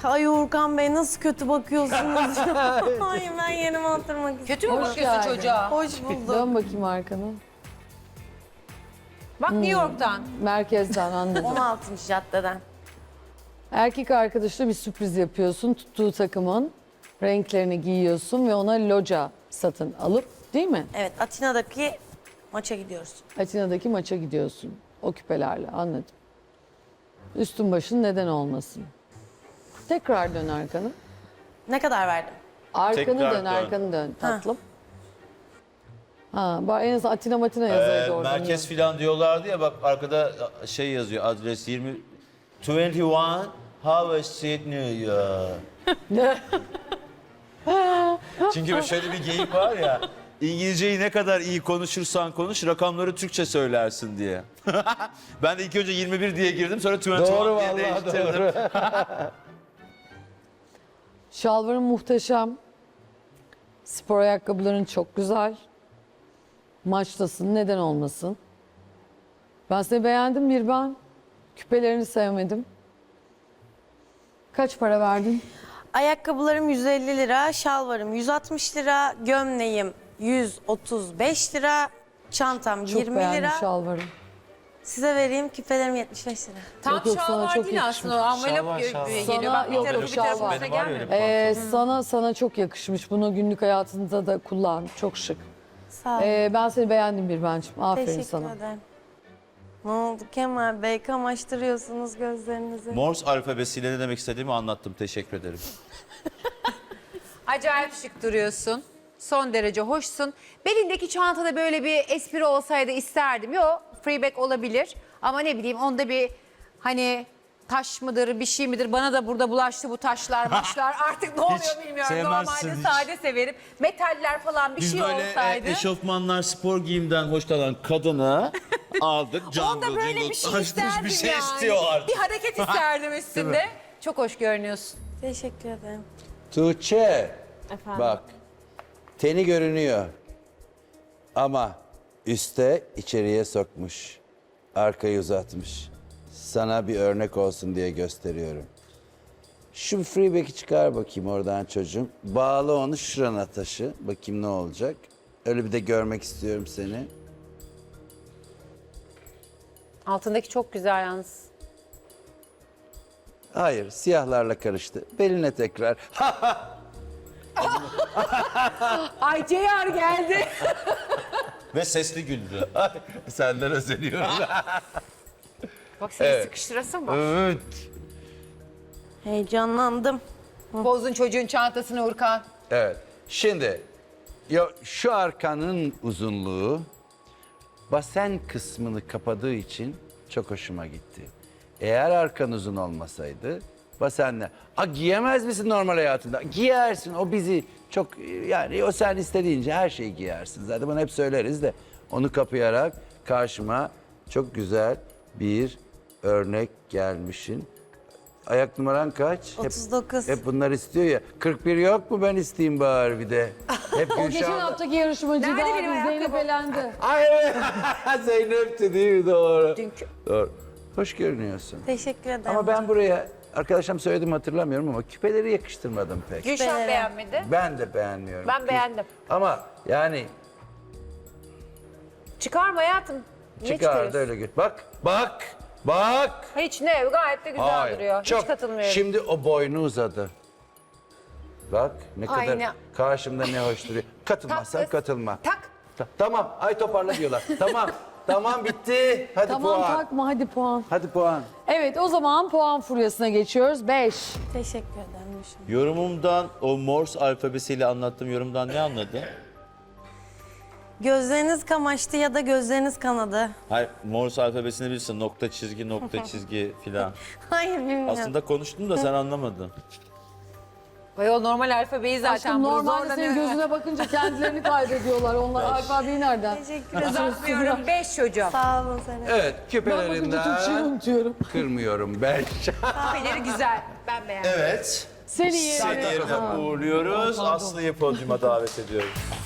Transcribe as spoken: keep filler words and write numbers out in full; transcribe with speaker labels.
Speaker 1: Ay Uğurkan Bey nasıl kötü bakıyorsunuz? Ay ben yerime oturmak istiyorum.
Speaker 2: Kötü mü
Speaker 3: Hoş
Speaker 2: bakıyorsun
Speaker 3: geldin.
Speaker 2: çocuğa?
Speaker 1: Hoş buldum.
Speaker 3: Dön bakayım arkana.
Speaker 2: Bak New York'tan.
Speaker 3: Merkezden anladım.
Speaker 1: on altıncı caddeden.
Speaker 3: Erkek arkadaşına bir sürpriz yapıyorsun. Tuttuğu takımın renklerini giyiyorsun ve ona loca satın alıp, değil mi?
Speaker 1: Evet, Atina'daki maça gidiyoruz.
Speaker 3: Atina'daki maça gidiyorsun. O küpelerle, anladım. Üstün başın neden olmasın? Tekrar dön arkanı.
Speaker 1: Ne kadar verdim?
Speaker 3: Arkanı
Speaker 4: Tekrar
Speaker 3: dön,
Speaker 4: dön.
Speaker 3: arkanı dön tatlım. Ha, bak en azından Atina Matina yazaydı
Speaker 4: Ee,
Speaker 3: orada.
Speaker 4: merkez filan diyorlardı ya, bak arkada şey yazıyor, adres yirmi yirmi bir Howard Street New York. Çünkü şöyle bir geyik var ya, İngilizceyi ne kadar iyi konuşursan konuş, rakamları Türkçe söylersin diye. Ben de ilk önce yirmi bir diye girdim, sonra yirmi bir
Speaker 5: Doğru
Speaker 4: diye
Speaker 5: vallahi
Speaker 4: değiştirdim.
Speaker 5: doğru.
Speaker 3: Şalvarın muhteşem. Spor ayakkabıların çok güzel. Maçtasın, neden olmasın? Ben seni beğendim bir ben. Küpelerini sevmedim. Kaç para verdin?
Speaker 1: Ayakkabılarım yüz elli lira, şalvarım yüz altmış lira, gömleğim yüz otuz beş lira, çantam
Speaker 3: Çok
Speaker 1: yirmi
Speaker 3: beğendim
Speaker 1: lira.
Speaker 3: şalvarı.
Speaker 1: Size vereyim, küpelerim yetmiş beş lira.
Speaker 2: Tam
Speaker 3: Yok, yok,
Speaker 2: şal
Speaker 3: sana
Speaker 2: var
Speaker 3: çok
Speaker 2: değil
Speaker 3: yakışmış.
Speaker 2: aslında. O envelop
Speaker 5: Şal var,
Speaker 2: gö-
Speaker 5: şal var.
Speaker 2: geliyor.
Speaker 3: Sana
Speaker 2: Bak bir
Speaker 3: yok,
Speaker 2: tarafı
Speaker 3: yok,
Speaker 2: bir
Speaker 3: şal
Speaker 2: tarafı
Speaker 3: var.
Speaker 2: üstüne
Speaker 4: Benim var ya
Speaker 2: gelmiyor.
Speaker 4: öyle
Speaker 3: Ee, sana sana çok yakışmış. Bunu günlük hayatında da kullan. Çok şık.
Speaker 1: Sağ olun.
Speaker 3: Ee, ben seni beğendim bir bencim. Aferin
Speaker 1: Teşekkür
Speaker 3: sana.
Speaker 1: ederim. Ne oldu Kemal Bey? Kamaştırıyorsunuz gözlerinizi.
Speaker 4: Morse alfabesiyle ne demek istediğimi anlattım, teşekkür ederim.
Speaker 2: Acayip şık duruyorsun. Son derece hoşsun. Belindeki çantada böyle bir espri olsaydı isterdim. Yok, freeback olabilir. Ama ne bileyim onda bir hani taş mıdır, bir şey midir? Bana da burada bulaştı bu taşlar, maçlar. Artık ne oluyor bilmiyorum.
Speaker 4: sevmezsin
Speaker 2: Normalde
Speaker 4: hiç.
Speaker 2: sade severim. Metaller falan bir
Speaker 4: Biz
Speaker 2: şey
Speaker 4: böyle
Speaker 2: olsaydı.
Speaker 4: e, eşofmanlar, spor giyimden hoşlanan kadını aldık. Jungle,
Speaker 2: Onda böyle
Speaker 4: jingle,
Speaker 2: bir şey
Speaker 4: açmış,
Speaker 2: isterdim
Speaker 4: bir şey
Speaker 2: yani.
Speaker 4: istiyor artık.
Speaker 2: Bir hareket isterdim üstünde. Çok hoş görünüyorsun.
Speaker 1: Teşekkür ederim.
Speaker 5: Tuğçe,
Speaker 1: Efendim.
Speaker 5: bak teni görünüyor ama üste içeriye sokmuş, arkayı uzatmış. Sana bir örnek olsun diye gösteriyorum. Şu freeback'i çıkar bakayım oradan çocuğum. Bağla onu şurana taşı. Bakayım ne olacak. Öyle bir de görmek istiyorum seni.
Speaker 2: Altındaki çok güzel yalnız.
Speaker 5: Hayır, siyahlarla karıştı. Beline tekrar.
Speaker 2: Ay Ceyar geldi.
Speaker 4: Ve sesli güldü.
Speaker 5: Senden özeniyorum.
Speaker 2: Bak seni
Speaker 5: Evet.
Speaker 2: sıkıştırasın bak.
Speaker 5: Evet.
Speaker 1: Heyecanlandım.
Speaker 2: Bozdun çocuğun çantasını Urkan.
Speaker 5: Evet. Şimdi ya şu arkanın uzunluğu basen kısmını kapadığı için çok hoşuma gitti. Eğer arkan uzun olmasaydı basenle a giyemez misin normal hayatında? Giyersin. O bizi çok yani o sen istediğince her şeyi giyersin. Zaten bunu hep söyleriz de onu kapayarak karşıma çok güzel bir örnek gelmişsin. Ayak numaran kaç?
Speaker 1: otuz dokuz.
Speaker 5: Hep, hep bunlar istiyor ya. kırk bir yok mu ben isteyeyim bari bir de. Hep
Speaker 3: O geçen
Speaker 5: Gülşah'la-
Speaker 3: haftaki yarışmacı
Speaker 2: Nerede
Speaker 3: da
Speaker 2: benim
Speaker 3: abi Zeynep
Speaker 2: ayakkabım?
Speaker 3: elendi.
Speaker 5: Ay evet. Zeynep'ti değil mi? Doğru.
Speaker 2: Dünkü.
Speaker 5: Doğru. Hoş görünüyorsun.
Speaker 1: Teşekkür ederim.
Speaker 5: Ama ben buraya arkadaşım söyledim hatırlamıyorum ama küpeleri yakıştırmadım pek.
Speaker 2: Gülşah
Speaker 1: Küpeleri.
Speaker 2: beğenmedi.
Speaker 5: Ben de beğenmiyorum.
Speaker 2: Ben beğendim.
Speaker 5: Ama yani
Speaker 2: Çıkarma hayatım. Niye
Speaker 5: çıkardı
Speaker 2: çıkarıyorsun?
Speaker 5: öyle gör. Bak, bak, bak.
Speaker 2: Hiç ne gayet de güzel
Speaker 5: Hayır,
Speaker 2: duruyor.
Speaker 5: çok.
Speaker 2: Hiç katılmıyorum.
Speaker 5: Şimdi o boynu uzadı. Bak ne kadar
Speaker 2: Aynen.
Speaker 5: karşımda ne hoş duruyor. Katılmazsan
Speaker 2: Tak kız.
Speaker 5: katılma.
Speaker 2: Tak.
Speaker 5: Ta- tamam, ay toparla diyorlar. Tamam, tamam bitti. Hadi
Speaker 3: Tamam
Speaker 5: puan.
Speaker 3: takma hadi puan.
Speaker 5: Hadi puan.
Speaker 3: Evet o zaman puan furyasına geçiyoruz. beş.
Speaker 1: Teşekkür ederim. Gülşah.
Speaker 4: Yorumumdan, o Morse alfabesiyle anlattığım yorumdan ne anladı?
Speaker 1: Gözleriniz kamaştı ya da gözleriniz kanadı.
Speaker 4: Hayır, Morse alfabesini bilirsin. Nokta, çizgi, nokta, çizgi filan.
Speaker 1: Hayır bilmiyorum.
Speaker 4: Aslında konuştum da sen anlamadın.
Speaker 2: Ayol normal alfabeyi zaten
Speaker 3: Aşkım
Speaker 2: bunu
Speaker 3: normalde senin
Speaker 2: zorlanıyor.
Speaker 3: gözüne bakınca kendilerini kaybediyorlar. Onlar alfabeyi nereden?
Speaker 1: Teşekkür ederim.
Speaker 2: Uzatmıyorum. Beş çocuğum.
Speaker 1: Sağ olun Zeynep.
Speaker 5: Evet,
Speaker 3: Ben bakınca Türkçeyi
Speaker 5: küpelerinden
Speaker 3: unutuyorum.
Speaker 5: kırmıyorum ben.
Speaker 2: Küpeleri güzel. Ben beğendim.
Speaker 4: Evet.
Speaker 3: Seni yerim.
Speaker 4: Seni yerine uğurluyoruz. Aslı'yı podyuma davet ediyoruz.